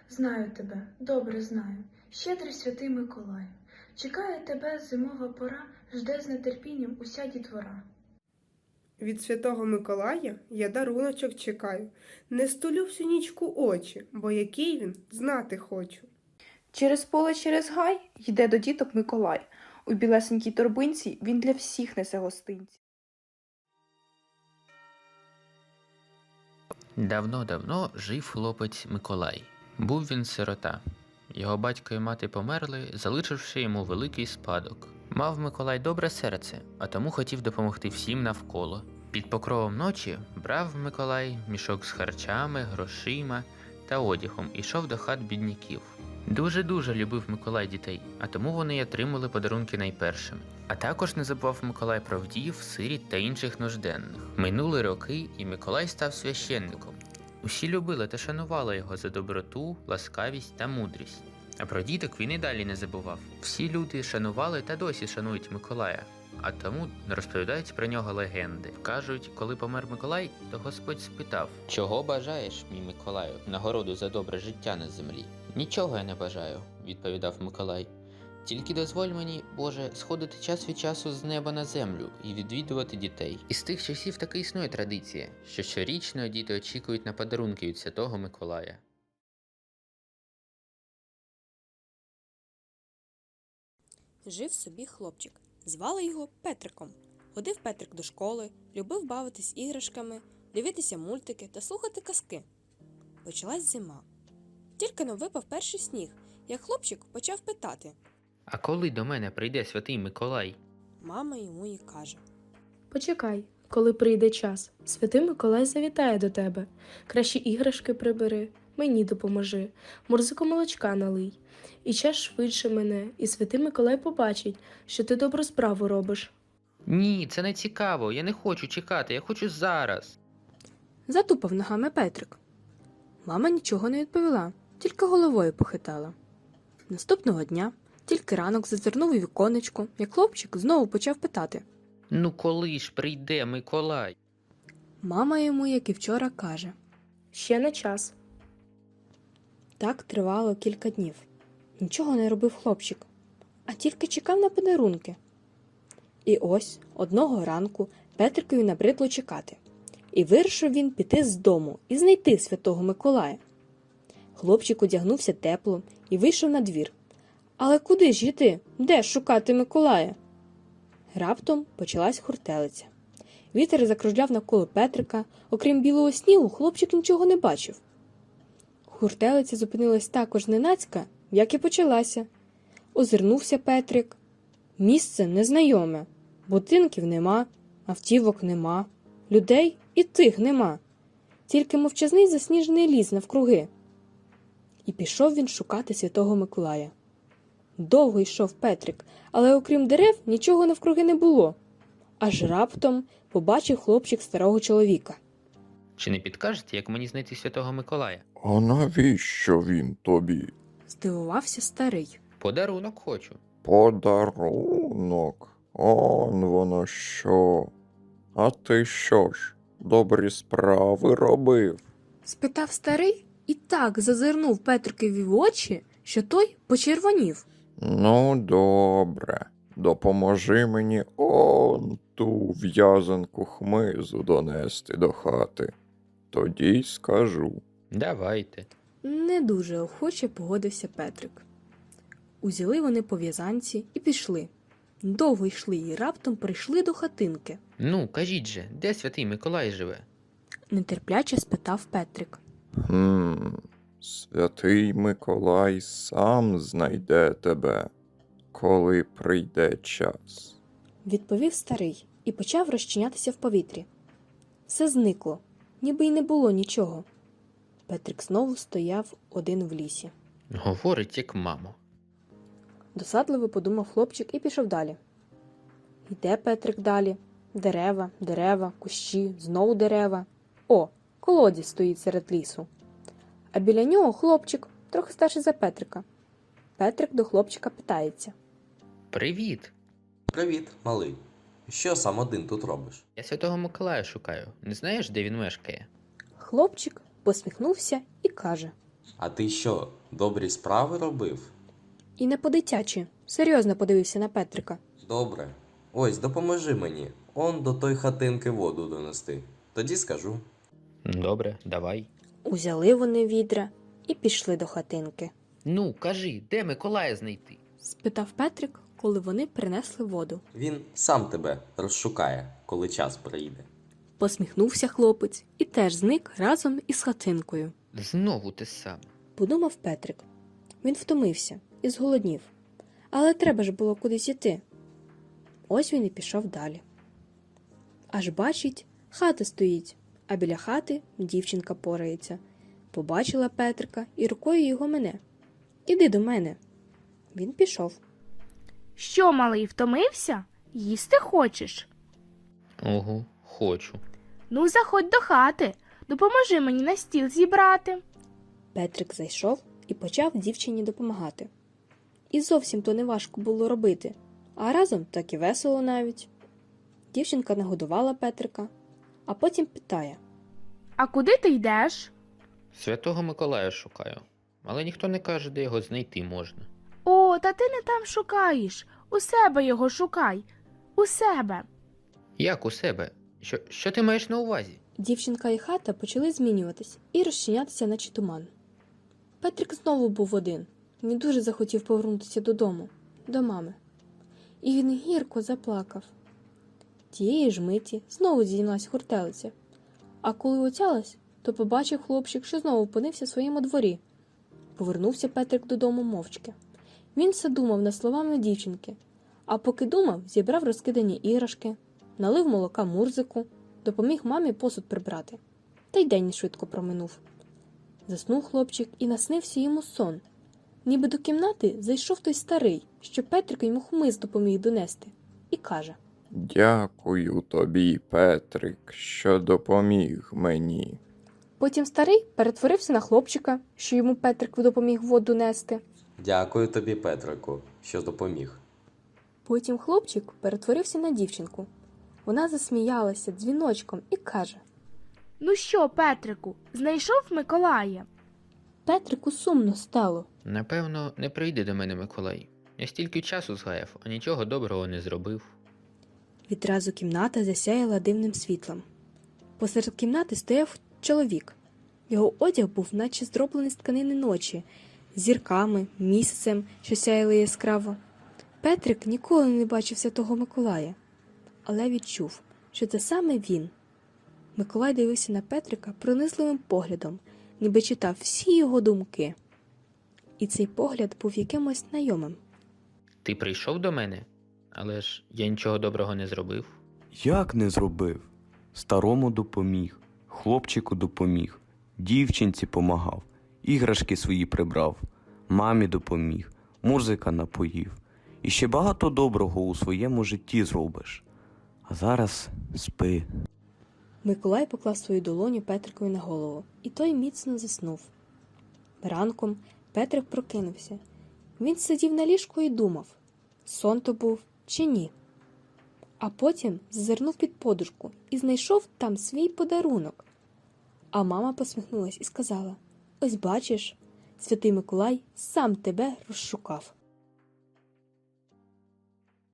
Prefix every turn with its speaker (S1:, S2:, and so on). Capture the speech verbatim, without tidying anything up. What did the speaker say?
S1: Знаю тебе, добре знаю, щедрий святий Миколаю. Чекає тебе зимова пора, жде з нетерпінням уся дітвора.
S2: Від святого Миколая я даруночок чекаю. Не стулю всю нічку очі, бо який він, знати хочу.
S3: Через поле, через гай йде до діток Миколай. У білесенькій торбинці він для всіх несе гостинці.
S4: Давно-давно жив хлопець Миколай. Був він сирота. Його батько і мати померли, залишивши йому великий спадок. Мав Миколай добре серце, а тому хотів допомогти всім навколо. Під покровом ночі брав Миколай мішок з харчами, грошима та одягом і йшов до хат бідняків. Дуже-дуже любив Миколай дітей, а тому вони й отримали подарунки найпершими. А також не забував Миколай про вдів, сиріт та інших нужденних. Минули роки, і Миколай став священником. Усі любили та шанували його за доброту, ласкавість та мудрість. А про діток він і далі не забував. Всі люди шанували та досі шанують Миколая, а тому розповідають про нього легенди. Кажуть, коли помер Миколай, то Господь спитав: «Чого бажаєш, мій Миколаю, нагороду за добре життя на землі?» «Нічого я не бажаю», – відповідав Миколай. «Тільки дозволь мені, Боже, сходити час від часу з неба на землю і відвідувати дітей». І з тих часів таки існує традиція, що щорічно діти очікують на подарунки від Святого Миколая.
S5: Жив собі хлопчик. Звали його Петриком. Ходив Петрик до школи, любив бавитись іграшками, дивитися мультики та слухати казки. Почалась зима. Тільки но випав перший сніг, як хлопчик почав питати.
S4: «А коли до мене прийде Святий Миколай?»
S5: Мама йому і каже.
S6: Почекай, коли прийде час. Святий Миколай завітає до тебе. Кращі іграшки прибери, мені допоможи, морзику молочка налий. І час швидше мене, і Святий Миколай побачить, що ти добру справу робиш.
S4: «Ні, це не цікаво, я не хочу чекати, я хочу зараз!»
S5: Затупав ногами Петрик. Мама нічого не відповіла, тільки головою похитала. Наступного дня, тільки ранок зазирнув у віконечко, як хлопчик знову почав питати.
S4: «Ну коли ж прийде Миколай?»
S5: Мама йому, як і вчора, каже.
S6: Ще не час.
S5: Так тривало кілька днів. Нічого не робив хлопчик, а тільки чекав на подарунки. І ось одного ранку Петрикові набридло чекати. І вирішив він піти з дому і знайти Святого Миколая. Хлопчик одягнувся тепло і вийшов на двір. Але куди ж йти? Де шукати Миколая? Раптом почалась хуртелиця. Вітер закружляв навколо Петрика, окрім білого снігу, хлопчик нічого не бачив. Хуртелиця зупинилась також ненацька, як і почалася. Озирнувся Петрик. Місце незнайоме. Будинків нема, автівок нема, людей і тих нема. Тільки мовчазний засніжений ліс навкруги. І пішов він шукати Святого Миколая. Довго йшов Петрик, але окрім дерев нічого навкруги не було. Аж раптом побачив хлопчик старого чоловіка.
S4: «Чи не підкажете, як мені знайти Святого Миколая?»
S7: А навіщо він тобі?
S5: Здивувався старий.
S4: «Подарунок хочу».
S7: Подарунок? Он воно що? А ти що ж, добрі справи робив?
S5: Спитав старий і так зазирнув Петрикові в очі, що той почервонів.
S7: Ну, добре. Допоможи мені он ту в'язанку хмизу донести до хати. Тоді й скажу.
S4: «Давайте».
S5: Не дуже охоче погодився Петрик. Узяли вони по в'язанці і пішли. Довго йшли і раптом прийшли до хатинки.
S4: «Ну, кажіть же, де Святий Миколай живе?»
S5: Нетерпляче спитав Петрик.
S7: Хм, Святий Миколай сам знайде тебе, коли прийде час.
S5: Відповів старий і почав розчинятися в повітрі. Все зникло, ніби й не було нічого. Петрик знову стояв один в лісі.
S4: «Говорить, як мамо».
S5: Досадливо подумав хлопчик і пішов далі. Йде Петрик далі. Дерева, дерева, кущі, знову дерева. О, колодязь стоїть серед лісу. А біля нього хлопчик, трохи старший за Петрика. Петрик до хлопчика питається.
S4: «Привіт!
S8: Привіт, малий. Що сам один тут робиш?
S4: Я Святого Миколая шукаю. Не знаєш, де він мешкає?»
S5: Хлопчик посміхнувся і каже.
S8: А ти що, добрі справи робив?
S5: І не по-дитячі, серйозно подивився на Петрика.
S8: Добре. Ось, допоможи мені. Он до той хатинки воду донести. Тоді скажу.
S4: Добре, давай.
S5: Узяли вони відра і пішли до хатинки.
S4: Ну, кажи, де Миколая знайти?
S5: Спитав Петрик, коли вони принесли воду.
S8: Він сам тебе розшукає, коли час прийде.
S5: Посміхнувся хлопець і теж зник разом із хатинкою.
S4: Знову те саме.
S5: Подумав Петрик. Він втомився і зголоднів. Але треба ж було кудись іти. Ось він і пішов далі. Аж бачить, хата стоїть, а біля хати дівчинка порається. Побачила Петрика і рукою його мене. Іди до мене. Він пішов.
S9: Що, малий, втомився? Їсти хочеш?
S4: Ого, хочу.
S9: Ну, заходь до хати, допоможи мені на стіл зібрати.
S5: Петрик зайшов і почав дівчині допомагати. І зовсім то не важко було робити, а разом так і весело навіть. Дівчинка нагодувала Петрика, а потім питає.
S9: А куди ти йдеш?
S4: Святого Миколая шукаю, але ніхто не каже, де його знайти можна.
S9: О, та ти не там шукаєш. У себе його шукай. У себе.
S4: Як у себе? Що, що ти маєш на увазі?
S5: Дівчинка і хата почали змінюватись і розчинятися, наче туман. Петрик знову був один. Він дуже захотів повернутися додому, до мами. І він гірко заплакав. Тієї ж миті знову здійнялась хуртелиця. А коли отялась, то побачив хлопчик, що знову опинився в своєму дворі. Повернувся Петрик додому мовчки. Він все думав над словами дівчинки, а поки думав, зібрав розкидані іграшки, налив молока Мурзику, допоміг мамі посуд прибрати. Та й день швидко проминув. Заснув хлопчик і наснився йому сон. Ніби до кімнати зайшов той старий, що Петрик йому хмиз допоміг донести, і каже:
S7: Дякую тобі, Петрик, що допоміг мені.
S5: Потім старий перетворився на хлопчика, що йому Петрик допоміг воду нести.
S8: Дякую тобі, Петрику, що допоміг.
S5: Потім хлопчик перетворився на дівчинку. Вона засміялася дзвіночком і каже:
S9: Ну що, Петрику, знайшов Миколая?
S5: Петрику сумно стало.
S4: Напевно, не прийде до мене Миколай. Я стільки часу згаяв, а нічого доброго не зробив.
S5: Відразу кімната засяяла дивним світлом. Посеред кімнати стояв чоловік. Його одяг був наче зроблений з тканини ночі, з зірками, місяцем, що сяяли яскраво. Петрик ніколи не бачив Святого Миколая, але відчув, що це саме він. Миколай дивився на Петрика пронизливим поглядом, ніби читав всі його думки. І цей погляд був якимось знайомим.
S4: Ти прийшов до мене? Але ж я нічого доброго не зробив.
S10: Як не зробив? Старому допоміг, хлопчику допоміг, дівчинці помагав, іграшки свої прибрав, мамі допоміг, Мурзика напоїв. І ще багато доброго у своєму житті зробиш. А зараз спи.
S5: Миколай поклав свою долоню Петрикові на голову, і той міцно заснув. Ранком Петрик прокинувся. Він сидів на ліжку і думав, сон то був чи ні. А потім зазирнув під подушку і знайшов там свій подарунок. А мама посміхнулась і сказала: ось бачиш, Святий Миколай сам тебе розшукав.